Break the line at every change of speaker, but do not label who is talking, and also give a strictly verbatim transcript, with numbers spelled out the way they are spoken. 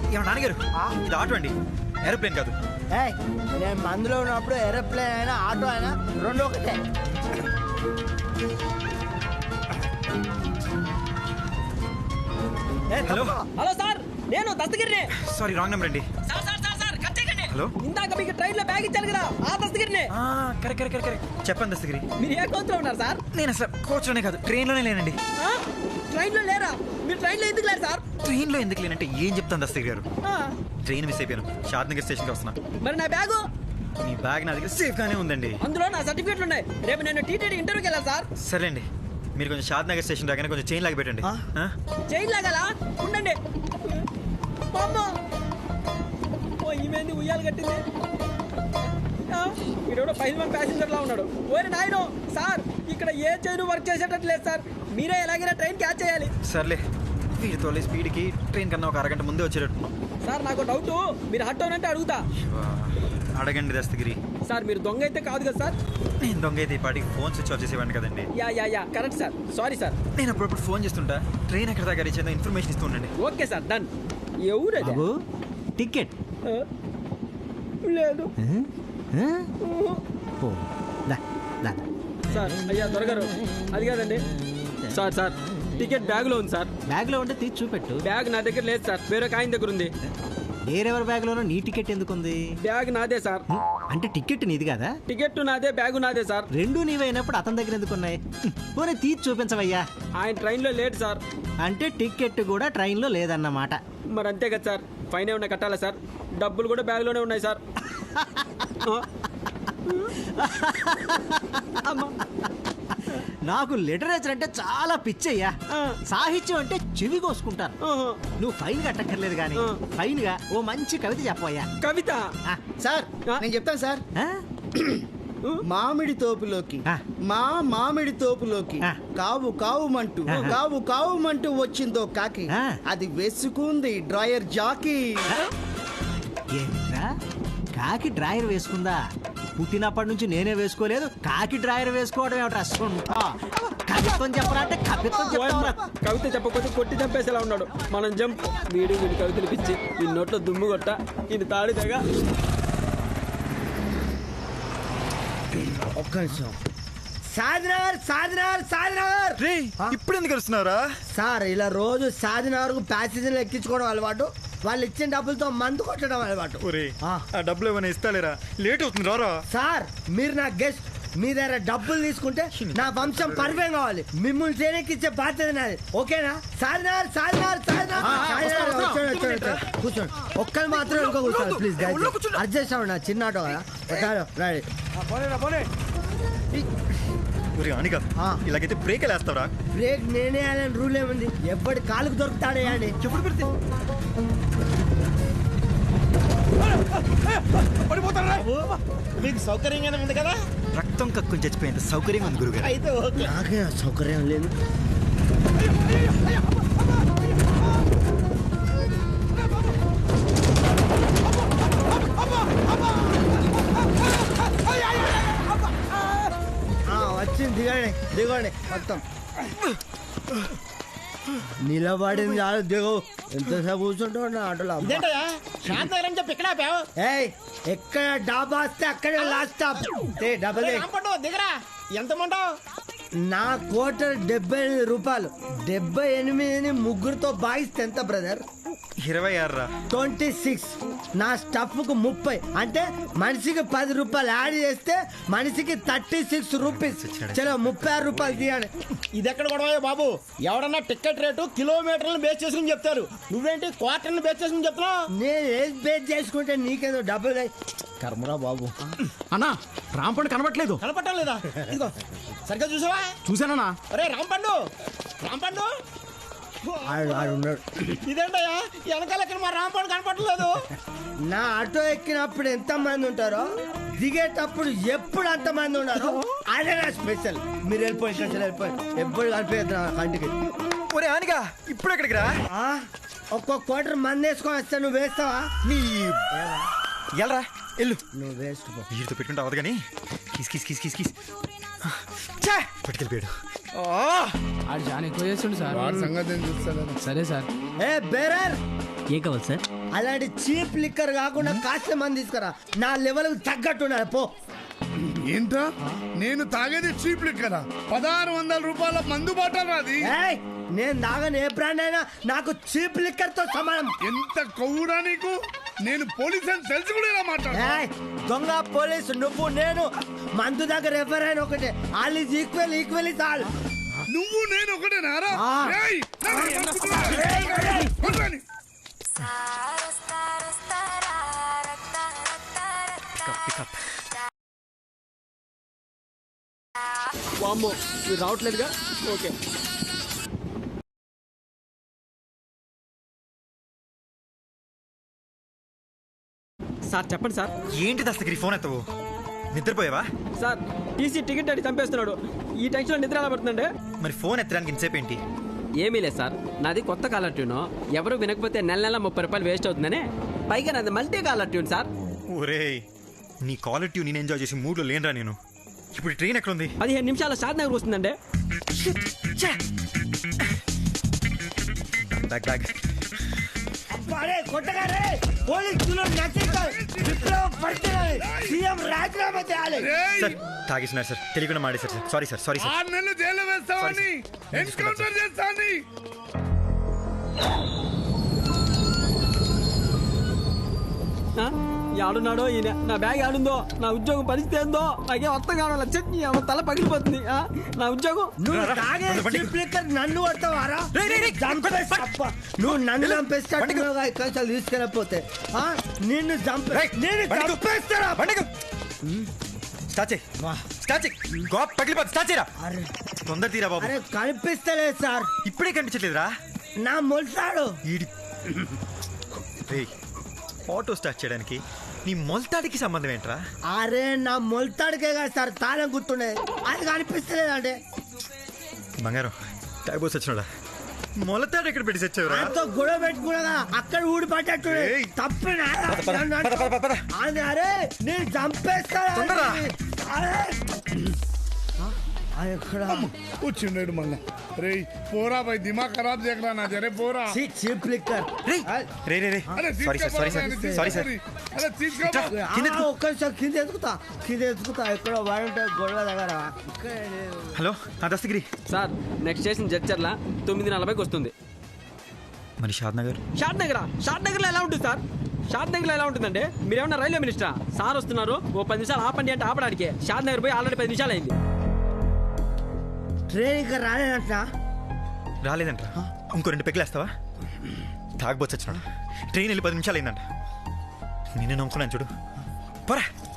ఏమన్నా నాన్నగారు ఇది ఆటో అండి, ఏరోప్లేన్ కాదు.
నేను మందులో ఉన్నప్పుడు ఏరోప్లేన్ అయినా ఆటో అయినా రెండు ఒకటే.
హలో
హలో సార్, నేను దస్తగిరిని.
సారీ రాంగ్ నెంబర్ అండి.
Sir sir sir sir cut చేయకండి.
హలో,
ఇందాక మీకు ట్రైన్ లో బ్యాగ్ ఇచ్చాను కదా, ఆ దస్తగిరిని.
కరెక్ట్ కరెక్ట్ కరెక్ట్ చెప్పండి దస్తగిరి.
మీరు ఏ కోచ్ లో ఉన్నారు సార్?
నేను అసలు కోచ్ లోనే కాదు, ట్రైన్ లోనే లేనండి.
ట్రైన్ లో లేరా? మీరు ట్రైన్ లో ఎందుకు లేరు సార్?
ట్రైన్ లో ఎందుకు లేనంటే ఏం చెప్తాను దస్తగిరి గారు,
ఆ,
ట్రైన్ మిస్ అయిపోయాను, షాద్నగర్ స్టేషన్ కి వస్తున్నా.
మరి నా బ్యాగు?
మీ బ్యాగ్ నా దగ్గర సేఫ్ గానే ఉందండి.
అందులో నా సర్టిఫికెట్లు ఉన్నాయి. రేపు నేను టీటీడీ ఇంటర్వ్యూకి వెళ్ళాలి సార్.
సరేండి, మీరు కొంచెం షాద్నగర్ స్టేషన్ రాగానే కొంచెం చైన్ లాగి పెట్టండి.
చైన్ లాగాలా? ఉండండి. ఓ ఈమెంది ఉయ్యాలు కట్టింది. వీడెవడో ఫైవ్ వన్ ప్యాసింజర్ లా ఉన్నాడు. ఓరే నాయనో సార్, ఇక్కడ ఏ చైన్ వర్క్ చేసేటట్టు లేదు సార్. మీరే ఎలాగైనా ట్రైన్ క్యాచ్ చేయాలి.
సర్లే, వీడితో స్పీడ్కి ట్రైన్ కన్నా ఒక అరగంట ముందే వచ్చేటట్టున్నాం.
సార్ నాకు డౌట్, మీరు హట్ అవునంటే అడుగుతా.
అడగండి దస్తగిరి.
సార్ మీరు దొంగ అయితే కాదు కదా సార్?
నేను దొంగ అయితే ఈ పాటికి ఫోన్ స్విచ్ ఆఫ్ చేసేవాడిని కదండి.
Yeah yeah yeah correct sir, sorry sir.
నేను అప్పుడప్పుడు ఫోన్ చేస్తుంటా, ట్రైన్ ఎక్కడ దాకా రీచ్ అయిందో ఇన్ఫర్మేషన్ ఇస్తూ ఉండండి.
Okay sir, done. ఎవరు
టికెట్
లేదు సార్. అయ్యా దొరగారు, అది కాదండి సార్. సార్ టికెట్ బ్యాగ్ లో ఉంది సార్.
బ్యాగ్ లో ఉంటే తీసి చూపెట్టు.
బ్యాగ్ నా దగ్గర లేదు సార్, వేరే ఆయన దగ్గర ఉంది.
వేరెవరి బ్యాగ్ లోనో నీ టికెట్ ఎందుకుంది?
బ్యాగ్ నాదే సార్.
అంటే టికెట్ నీది కదా?
టికెట్ నాదే, బ్యాగు నాదే సార్.
రెండు నీవైనప్పుడు అతని దగ్గర ఎందుకున్నాయి? పోనీ తీసి చూపించవయ్యా.
ఆయన ట్రైన్ లో లేట్ సార్.
అంటే టికెట్ కూడా ట్రైన్ లో లేదన్నమాట.
మరి అంతే కదా సార్, ఫైన్ ఏమన్నా కట్టాలా సార్? డబ్బులు కూడా బ్యాగ్ లోనే ఉన్నాయి సార్.
నాకు లిటరేచర్ అంటే చాలా పిచ్చయ్యా. సాహిత్యం అంటే చెవి కోసుకుంటాను. నువ్వు ఫైన్ కట్టక్కర్లేదు కానీ ఫైన్ గా ఓ మంచి కవిత చెప్పవయ్యా.
కవిత?
సార్ నేను చెప్తాను సార్. మామిడి తోపులోకి మా మామిడి తోపులోకి కావు కావుమంటూ కావు కావుమంటూ వచ్చిందో కాకి, అది వేసుకుంది డ్రాయర్ జాకీ.
ఏంట్రా కాకి డ్రాయర్ వేసుకుందా? పుట్టినప్పటి నుంచి నేనే వేసుకోలేదు, కాకి డ్రాయర్ వేసుకోవడం ఏమిట్రా? కవిత్వం చెప్పరా అంటే కవిత్వం చెప్పరా?
కవిత చెప్పకపోతే కొట్టి చంపేసేలా ఉన్నాడు. మనం జంప్. వీడి వీడి కవితలు పిచ్చి, ఈ నోట్లో దుమ్ము కొట్ట, ఇది తాడి తెగ.
ఒక్క నిమిషం. సాధినగర్ సాధినగర్ సాధినగర్
ఇప్పుడు ఎందుకు వస్తున్నారా
సార్? ఇలా రోజు సాధినగర్ కు ప్యాసింజర్లు ఎక్కించుకోవడం అలవాటు, వాళ్ళు ఇచ్చిన డబ్బులతో మందు కొట్టడం అలవాటు.
ఆ డబ్బులు ఏమైనా ఇస్తాలేరా? లేట్ అవుతుంది రారా.
సార్ మీరు నా గెస్ట్, మీ దగ్గర డబ్బులు తీసుకుంటే నా వంశం పరివేం కావాలి. మిమ్మల్ని చేయడానికి బాధ్యత నాది, ఓకేనా? సాధినార్ సాధినార్ సాధినార్ కూర్చోండి. ఒక్కరు మాత్రం ఇంకో కూర్చోండి ప్లీజ్. అడ్జస్ట్ అవ్వండి, నా చిన్న ఆటో కదా. రైట్
అనిగా ఇలాగైతే బ్రేక్ వేస్తావరా?
బ్రేక్ నేనే అని రూల్ ఏముంది? ఎప్పటి కాలుకు దొరుకుతాడే అని
ఎప్పుడు పెడితే
మీకు సౌకర్యంగానే ఉంది కదా?
రక్తం కక్కుని చచ్చిపోయేంత సౌకర్యంగా ఉంది గురుగారు.
అయితే ఓకే.
నాకే సౌకర్యం లేదు. వచ్చింది, దిగండి దిగండి మొత్తం. నిలబడింది చాలు, దిగు. ఎంతసేపు కూర్చుంటావు నా ఆటోలో?
చెప్పి ఇక్కడ
ఏయ్ ఎక్కడ డాబా వస్తే అక్కడే లాస్ట్ స్టాప్. డబ్బా
దిగరా. ఎంత మంటావు?
నా క్వార్టర్ డెబ్బై ఎనిమిది రూపాయలు. డెబ్బై ఎనిమిదిని ముగ్గురుతో భాగిస్తే ఎంత బ్రదర్?
ఇరవై ఆరు
ట్వంటీ సిక్స్. నా స్టఫ్ కు ముప్పై, అంటే మనిషికి పది రూపాయలు యాడ్ చేస్తే మనిషికి థర్టీ సిక్స్ రూపీస్. చలో ముప్పై ఆరు రూపాయలు తీయండి.
ఇది ఎక్కడ గొడవ బాబు? ఎవడన్నా టికెట్ రేటు కిలోమీటర్లను బేస్ చేసుకుని చెప్తారు, నువ్వేంటి క్వార్టర్ని బేస్ చేసుకుని చెప్తున్నావు?
నేను ఏది బేస్ చేసుకుంటే నీకేదో డబ్బులు కర్మరా బాబు.
అన్నా రాంపండు కనబట్లేదు.
కనపడటం లేదా? ఇదిగో సరిగ్గా చూసావా?
చూసానన్నా.
అరే రాంపండు, రాంపండు ఇదేంటయ్యా వెనకాల ఎక్కడ మా రాంపండు కనపడలేదు?
నా ఆటో ఎక్కినప్పుడు ఎంత మంది ఉంటారో దిగేటప్పుడు ఎప్పుడు అంత మంది ఉన్నారు. అదే నా స్పెషల్. మీరు వెళ్ళిపోయి ఇక్కడ వెళ్ళిపోయి ఎప్పుడు కనిపించదు నా కంటికి.
ఒరే ఆనిగా ఇప్పుడు ఎక్కడికి రా?
ఒక్కొక్క క్వార్టర్ మంది వేసుకొని వస్తా, నువ్వు వేస్తావా?
నీ ఎల్రా ఎల్లు.
నువ్వు వేస్ట్
వీరితో పెట్టుకుంటే అవదు కానీ keys keys keys keys keys పట్టుకెళ్ళిపోయాడు.
ఆడు జాన్ ఎక్కువ చేస్తుండు సార్.
సంగతి చూస్తాను.
సరే సార్.
ఏ బేరర్
ఏం కావాలి సార్?
అలాంటి చీప్ లిక్కర్ కాకుండా కాస్ట్లీ మంది తీసుకురా, నా లెవెల్ తగ్గట్టు ఉండాలి. పో.
ఏంట్రా నేను తాగేది చీప్ లిక్కర్ పదహారు వందల రూపాయల మందు బాటలు అది.
ఏయ్, నేను తాగని ఏ బ్రాండ్ అయినా నాకు చీప్ లిక్కర్ తో సమానం.
ఎంత కొవ్వురా నీకు? నేను పోలీస్ అని తెలిసి కూడా ఇలా మాట్లాడు.
ఏయ్, దొంగ పోలీసు నువ్వు నేను మందు దగ్గర ఎవరైనా ఒకటే. All is equal, equal is all.
నువ్వు నేను ఒకటేనారా?
ఆ.
ఏయ్, నన్ను చంపుతున్నా.
ఏయ్, ఏయ్.
కొట్రాని.
వామ్మో మీరు రావట్లేదుగా? ఓకే. సార్ చెప్పండి సార్.
ఏంటి దస్తగిరి ఫోన్ ఎత్తవు? నిద్రపోయావా?
సార్ టీసీ టికెట్ అడిగి చంపేస్తున్నాడు. ఈ టెన్షన్లో నిద్ర ఎలా పడుతుందండి?
మరి ఫోన్ ఎత్తడానికి ఇంతసేపు ఏంటి?
ఏమీ లేదు సార్, నాది కొత్త కాలర్ ట్యూన్. ఎవరు వినకపోతే నెల నెల ముప్పై రూపాయలు వేస్ట్ అవుతుందని. పైగా నాది మల్టీ కాలర్ ట్యూన్ సార్.
ఒరేయ్, నీ కాలర్ ట్యూన్ నేను ఎంజాయ్ చేసి మూడ్లో లేనరా నేను. ఇప్పుడు ట్రైన్ ఎక్కడ ఉంది?
పదిహేను నిమిషాల షాద్ నగర్ వస్తుందండి.
బ్యాగ్ బ్యాగ్
అరే కొట్టగారే, పోలీసులు నచ్చేస్తారు. విప్లవం పడుతున్నది. సీఎం రాజీనామా చేయాలి.
ఏయ్,
సార్ తాగేసినారు సార్, తెలియకుండా మాడేశారు sir. Sorry sir, sorry sir.
ఆరు నెలలు జైలు వేస్తావని ఎన్కౌంటర్ చేస్తాని.
ఆ? ఆడున్నాడో ఈయన, నా బ్యాగ్ ఆడుందో, నా ఉద్యోగం పరిస్థితి ఏందో నాకేం అర్థం కావాలి. చట్నీ ఆమె తల పగిలిపోతుంది. ఆ? నా ఉద్యోగం.
నువ్వు తాగే చీప్ లిక్కర్ నన్ను కొడతావారా? చంపేస్తా. అబ్బా, నువ్వు నన్ను చంపేస్తాడుగా ఇక్కడ తీసుకెళ్ళకపోతే. ఆ? నిన్ను చంపే నేను చంపేస్తారా?
స్టార్ట్ చేయి, స్టార్ట్ చేయి. గోప్ పగిలిపోతుంది. స్టార్ట్ చేయరా.
అరే
తొందర తీరా బాబు.
అరే కనిపిస్తలేదు సార్,
ఇప్పుడే కనిపించట్లేదురా.
నా మొలసాడు.
ఈడి రేయ్, ఆటో స్టార్ట్ చేయడానికి నీ మొలతాడికి సంబంధం ఏంట్రా?
అరే నా మొలతాడికే కదా సార్ తాళం గుర్తుండే, అది కనిపిస్తలేదు అంటే.
బంగారం తాగిపోసి వచ్చినాడా? మొలతాడు ఎక్కడ పెట్టి తెచ్చావురా?
నాతో గొడవ పెట్టుకున్నా అక్కడ ఊడి పట్టట్టు
ఏయ్.
తప్పినా.
పద, పద, పద, పద, పద.
అరే నేను చంపేస్తాను.
తొందరరా.
ఎక్కడ
కూర్చుండేడు మళ్ళా. రే పోరా భాయ్, దిమాగ్ ఖరాబ్ చేయకరా నా జరే పోరా.
Cheap liquor.
రేయ్, రే రే రే
అరే
sorry sir, sorry sir, sorry sir.
అరే తీసుకో.
ఒక్క నిమిషం కింద ఎత్తుకుతా, కింద ఎత్తుకుతా. ఎక్కడ వాడుంటే గొడవ దగ్గర. ఇక్కడ లేదు.
హలో ఆ Dastagiri.
Sir next station Jadcherla తొమ్మిది నలభైకి వస్తుంది.
మరి షాద్ నగర్?
షాద్ నగర్ షాద్ నగర్లో ఎలా ఉంటుంది సార్? షాద్ నగర్లో ఎలా ఉంటుందండి? మీరేమన్నా రైల్వే మినిస్టరా? సార్ వస్తున్నారు, ఓ పది నిమిషాలు ఆపండి అంటే ఆపడానికి. షాద్ నగర్ పోయి ఆల్రెడీ పది నిమిషాలు అయింది.
ట్రైన్ ఇంకా రాలేదంట.
రాలేదంట. ఇంకో రెండు పెగ్గులేస్తావా? తాగబోచ్చు వచ్చినాడు. ట్రైన్ వెళ్ళి పది నిమిషాలు అయిందంట. నేనే నమ్ముకున్నాను చూడు. పోరా.